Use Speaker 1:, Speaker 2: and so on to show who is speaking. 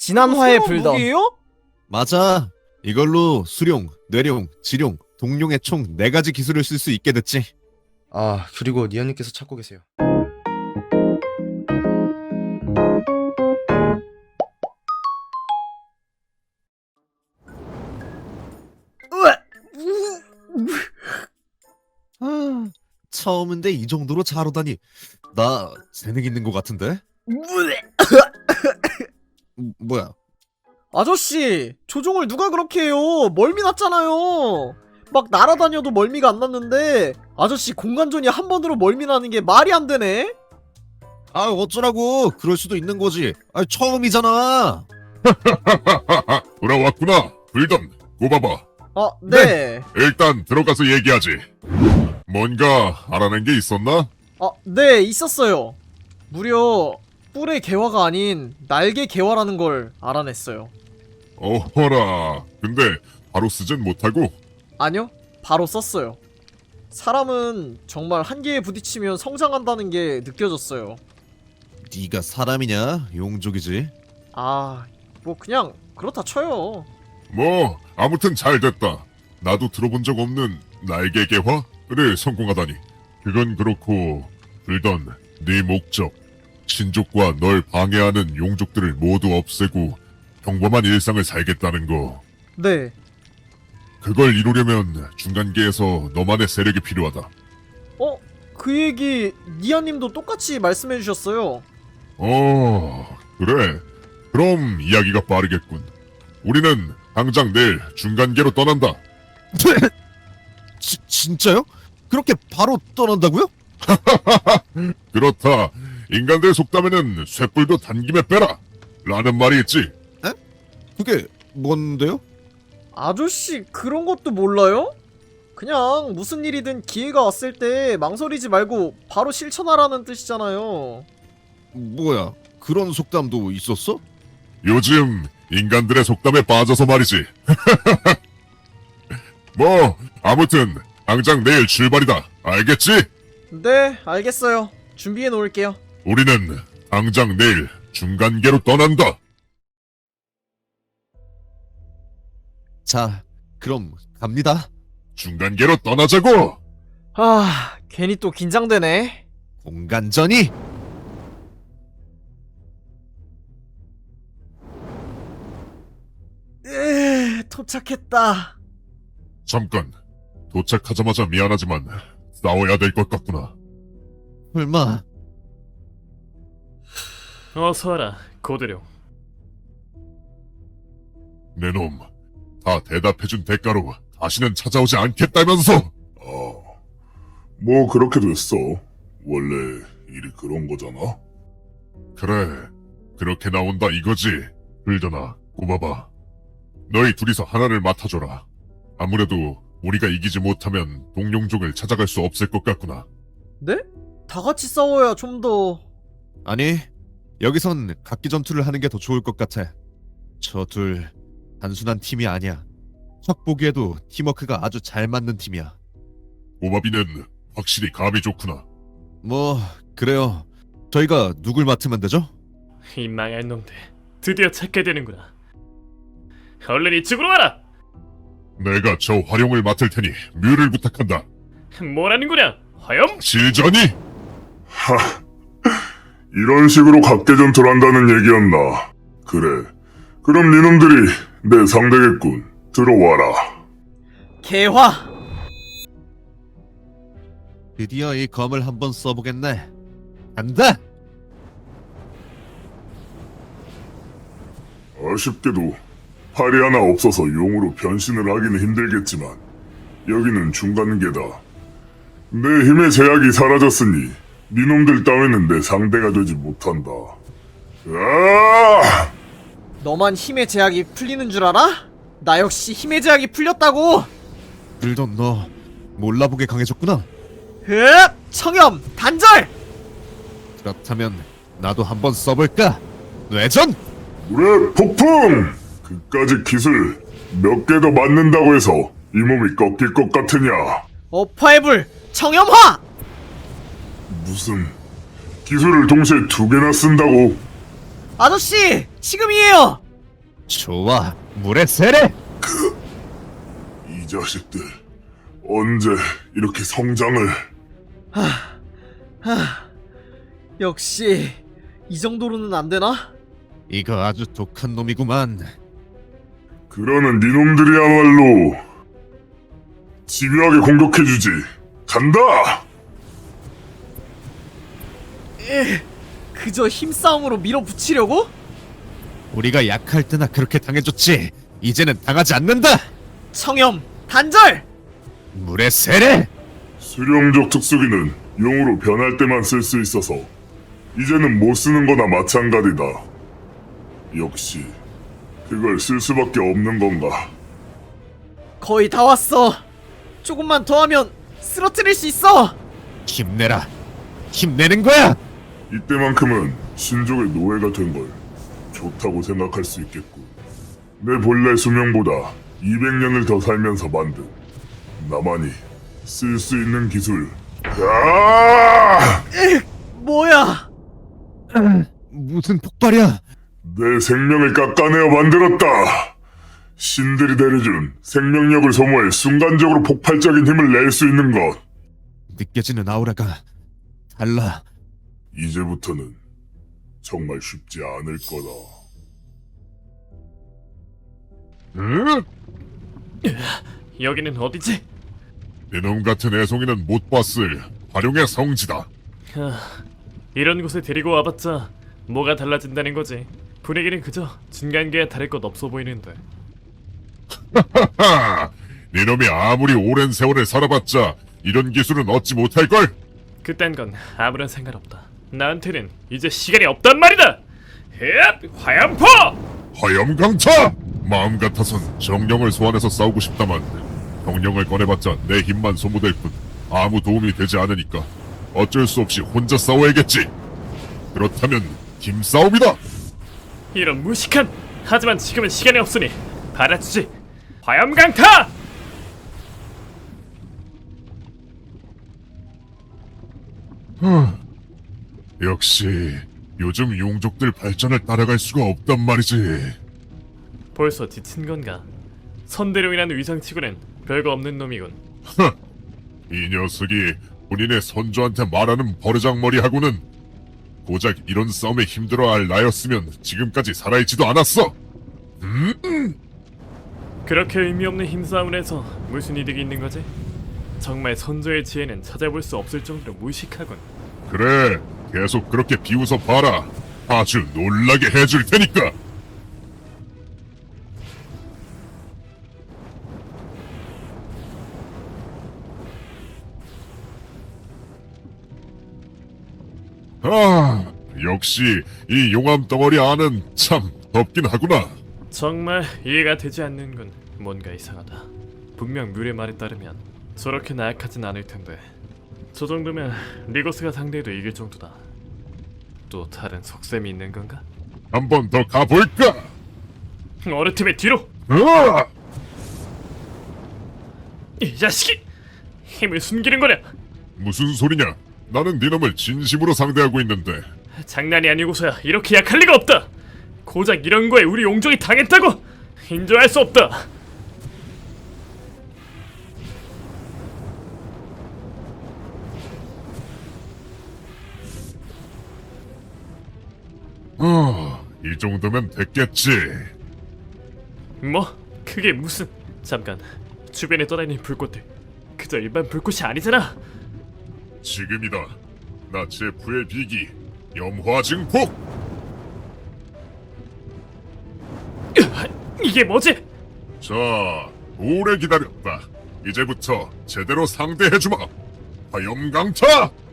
Speaker 1: 지난화의 불던.
Speaker 2: 무기예요?
Speaker 3: 맞아. 이걸로 수룡, 뇌룡, 지룡, 동룡의 총 4가지 기술을 쓸 수 있게 됐지.
Speaker 1: 아, 그리고 니아님께서 찾고 계세요.
Speaker 3: 아, 처음인데 이 정도로 잘 오다니. 나 재능 있는 것 같은데? 뭐야?
Speaker 2: 아저씨, 조종을 누가 그렇게 해요? 멀미 났잖아요. 막 날아다녀도 멀미가 안 났는데 아저씨 공간전이 한 번으로 멀미 나는 게 말이 안 되네?
Speaker 3: 아, 어쩌라고. 그럴 수도 있는 거지. 아, 처음이잖아.
Speaker 4: 돌아왔구나. 불던 고봐봐.
Speaker 2: 아, 네.
Speaker 4: 일단 들어가서 얘기하지. 뭔가 알아낸 게 있었나?
Speaker 2: 아, 네, 있었어요. 무려 뿔의 개화가 아닌 날개 개화라는 걸 알아냈어요.
Speaker 4: 어허라. 근데 바로 쓰진 못하고.
Speaker 2: 아니요, 바로 썼어요. 사람은 정말 한계에 부딪히면 성장한다는 게 느껴졌어요.
Speaker 3: 네가 사람이냐? 용족이지.
Speaker 2: 아, 뭐 그냥 그렇다 쳐요.
Speaker 4: 뭐 아무튼 잘 됐다. 나도 들어본 적 없는 날개 개화를 성공하다니. 그건 그렇고 불던 네 목적. 친족과 널 방해하는 용족들을 모두 없애고 평범한 일상을 살겠다는 거.
Speaker 2: 네,
Speaker 4: 그걸 이루려면 중간계에서 너만의 세력이 필요하다.
Speaker 2: 그 얘기 니아님도 똑같이 말씀해주셨어요.
Speaker 4: 그래. 그럼 이야기가 빠르겠군. 우리는 당장 내일 중간계로 떠난다.
Speaker 3: 진짜요? 그렇게 바로 떠난다고요?
Speaker 4: 그렇다. 인간들 속담에는 쇳불도 단김에 빼라 라는 말이 있지.
Speaker 3: 그게 뭔데요?
Speaker 2: 아저씨 그런 것도 몰라요? 그냥 무슨 일이든 기회가 왔을 때 망설이지 말고 바로 실천하라는 뜻이잖아요.
Speaker 3: 뭐야? 그런 속담도 있었어?
Speaker 4: 요즘 인간들의 속담에 빠져서 말이지. 뭐 아무튼 당장 내일 출발이다. 알겠지?
Speaker 2: 네, 알겠어요. 준비해 놓을게요.
Speaker 4: 우리는 당장 내일 중간계로 떠난다.
Speaker 3: 자, 그럼 갑니다.
Speaker 4: 중간계로 떠나자고.
Speaker 2: 아, 괜히 또 긴장되네.
Speaker 3: 공간전이.
Speaker 2: 도착했다.
Speaker 4: 잠깐. 도착하자마자 미안하지만 싸워야 될 것 같구나.
Speaker 3: 설마
Speaker 5: 어서와라, 고대룡.
Speaker 4: 내 놈, 다 대답해준 대가로 다시는 찾아오지 않겠다면서!
Speaker 6: 뭐 그렇게 됐어. 원래 일이 그런 거잖아.
Speaker 4: 그래, 그렇게 나온다 이거지. 불더나, 꼽아봐. 너희 둘이서 하나를 맡아줘라. 아무래도 우리가 이기지 못하면 동룡족을 찾아갈 수 없을 것 같구나.
Speaker 2: 네? 다 같이 싸워야 좀 더...
Speaker 3: 아니, 여기선 각기 전투를 하는 게 더 좋을 것 같아. 저 둘 단순한 팀이 아니야. 척 보기에도 팀워크가 아주 잘 맞는 팀이야.
Speaker 4: 오바비는 확실히 감이 좋구나.
Speaker 3: 뭐 그래요. 저희가 누굴 맡으면 되죠?
Speaker 5: 이 망할 놈들, 드디어 찾게 되는구나. 얼른 이쪽으로 와라!
Speaker 4: 내가 저 활용을 맡을 테니 뮤를 부탁한다.
Speaker 5: 뭐라는 거냐, 화염?
Speaker 4: 실전이?
Speaker 6: 이런 식으로 각계 전투를 한다는 얘기였나. 그래. 그럼 니놈들이 내 상대겠군. 들어와라.
Speaker 2: 개화!
Speaker 3: 드디어 이 검을 한번 써보겠네. 간다!
Speaker 6: 아쉽게도 팔이 하나 없어서 용으로 변신을 하기는 힘들겠지만 여기는 중간계다. 내 힘의 제약이 사라졌으니 니놈들 따위는 내 상대가 되지 못한다. 아!
Speaker 2: 너만 힘의 제약이 풀리는 줄 알아? 나 역시 힘의 제약이 풀렸다고!
Speaker 3: 불던 너 몰라보게 강해졌구나.
Speaker 2: 흡! 청염! 단절!
Speaker 3: 그렇다면 나도 한번 써볼까? 뇌전!
Speaker 6: 물의 폭풍! 그까짓 기술 몇 개 더 맞는다고 해서 이 몸이 꺾일 것 같으냐?
Speaker 2: 어파의 불! 청염화!
Speaker 6: 무슨 기술을 동시에 2개나 쓴다고?
Speaker 2: 아저씨! 지금이에요!
Speaker 3: 좋아, 물의 세례!
Speaker 6: 이 자식들 언제 이렇게 성장을?
Speaker 2: 역시 이 정도로는 안 되나?
Speaker 3: 이거 아주 독한 놈이구만.
Speaker 6: 그러는 니놈들이야말로 집요하게 공격해주지. 간다!
Speaker 2: 그저 힘싸움으로 밀어붙이려고?
Speaker 3: 우리가 약할 때나 그렇게 당해줬지. 이제는 당하지 않는다.
Speaker 2: 청염 단절!
Speaker 3: 물의 세례!
Speaker 6: 수령족 특수기는 용으로 변할 때만 쓸 수 있어서 이제는 못 쓰는 거나 마찬가지다. 역시 그걸 쓸 수밖에 없는 건가?
Speaker 2: 거의 다 왔어. 조금만 더 하면 쓰러뜨릴 수 있어.
Speaker 3: 힘내라. 힘내는 거야.
Speaker 6: 이때만큼은 신족의 노예가 된 걸 좋다고 생각할 수 있겠고, 내 본래 수명보다 200년을 더 살면서 만든 나만이 쓸 수 있는 기술. 야!
Speaker 2: 뭐야?
Speaker 3: 무슨 폭발이야?
Speaker 6: 내 생명을 깎아내어 만들었다. 신들이 내려준 생명력을 소모해 순간적으로 폭발적인 힘을 낼 수 있는 것.
Speaker 3: 느껴지는 아우라가 달라.
Speaker 6: 이제부터는 정말 쉽지 않을 거다.
Speaker 5: 여기는 어디지?
Speaker 4: 이놈 같은 애송이는 못 봤을 활용의 성지다.
Speaker 5: 이런 곳에 데리고 와봤자 뭐가 달라진다는 거지. 분위기는 그저 중간계에 다를 것 없어 보이는데.
Speaker 4: 하하! 니놈이 아무리 오랜 세월을 살아봤자 이런 기술은 얻지 못할걸?
Speaker 5: 그딴 건 아무런 상관없다. 나한테는 이제 시간이 없단 말이다. 헥! 화염포!
Speaker 4: 화염강타! 마음 같아선 정령을 소환해서 싸우고 싶다만 정령을 꺼내봤자 내 힘만 소모될 뿐 아무 도움이 되지 않으니까 어쩔 수 없이 혼자 싸워야겠지. 그렇다면 힘싸움이다.
Speaker 5: 이런 무식한! 하지만 지금은 시간이 없으니 받아주지. 화염강타!
Speaker 4: 역시 요즘 용족들 발전을 따라갈 수가 없단 말이지.
Speaker 5: 벌써 지친 건가? 선대로 인한 위상치고는 별거 없는 놈이군.
Speaker 4: 이 녀석이 본인의 선조한테 말하는 버르장머리하고는 고작 이런 싸움에 힘들어할 나였으면 지금까지 살아있지도 않았어.
Speaker 5: 그렇게 의미 없는 힘싸움을 해서 무슨 이득이 있는 거지? 정말 선조의 지혜는 찾아볼 수 없을 정도로 무식하군.
Speaker 4: 그래, 계속 그렇게 비웃어 봐라. 아주 놀라게 해줄 테니까. 아, 역시 이 용암 덩어리 안은 참 덥긴 하구나.
Speaker 5: 정말 이해가 되지 않는군. 뭔가 이상하다. 분명 뮬의 말에 따르면 저렇게 나약하진 않을 텐데. 저 정도면 리거스가 상대해도 이길 정도다. 또 다른 속셈이 있는 건가?
Speaker 4: 한 번 더 가볼까?
Speaker 5: 어느 팀의 뒤로!
Speaker 4: 으아!
Speaker 5: 이 자식이! 힘을 숨기는 거냐?
Speaker 4: 무슨 소리냐? 나는 네 놈을 진심으로 상대하고 있는데.
Speaker 5: 장난이 아니고서야 이렇게 약할 리가 없다. 고작 이런 거에 우리 용족이 당했다고? 인정할 수 없다.
Speaker 4: 이 정도면 됐겠지.
Speaker 5: 뭐? 그게 무슨... 잠깐, 주변에 떠다니는 불꽃들 그저 일반 불꽃이 아니잖아.
Speaker 4: 지금이다. 나 제프의 비기 염화증폭.
Speaker 5: 이게 뭐지?
Speaker 4: 자, 오래 기다렸다. 이제부터 제대로 상대해주마. 화염강타.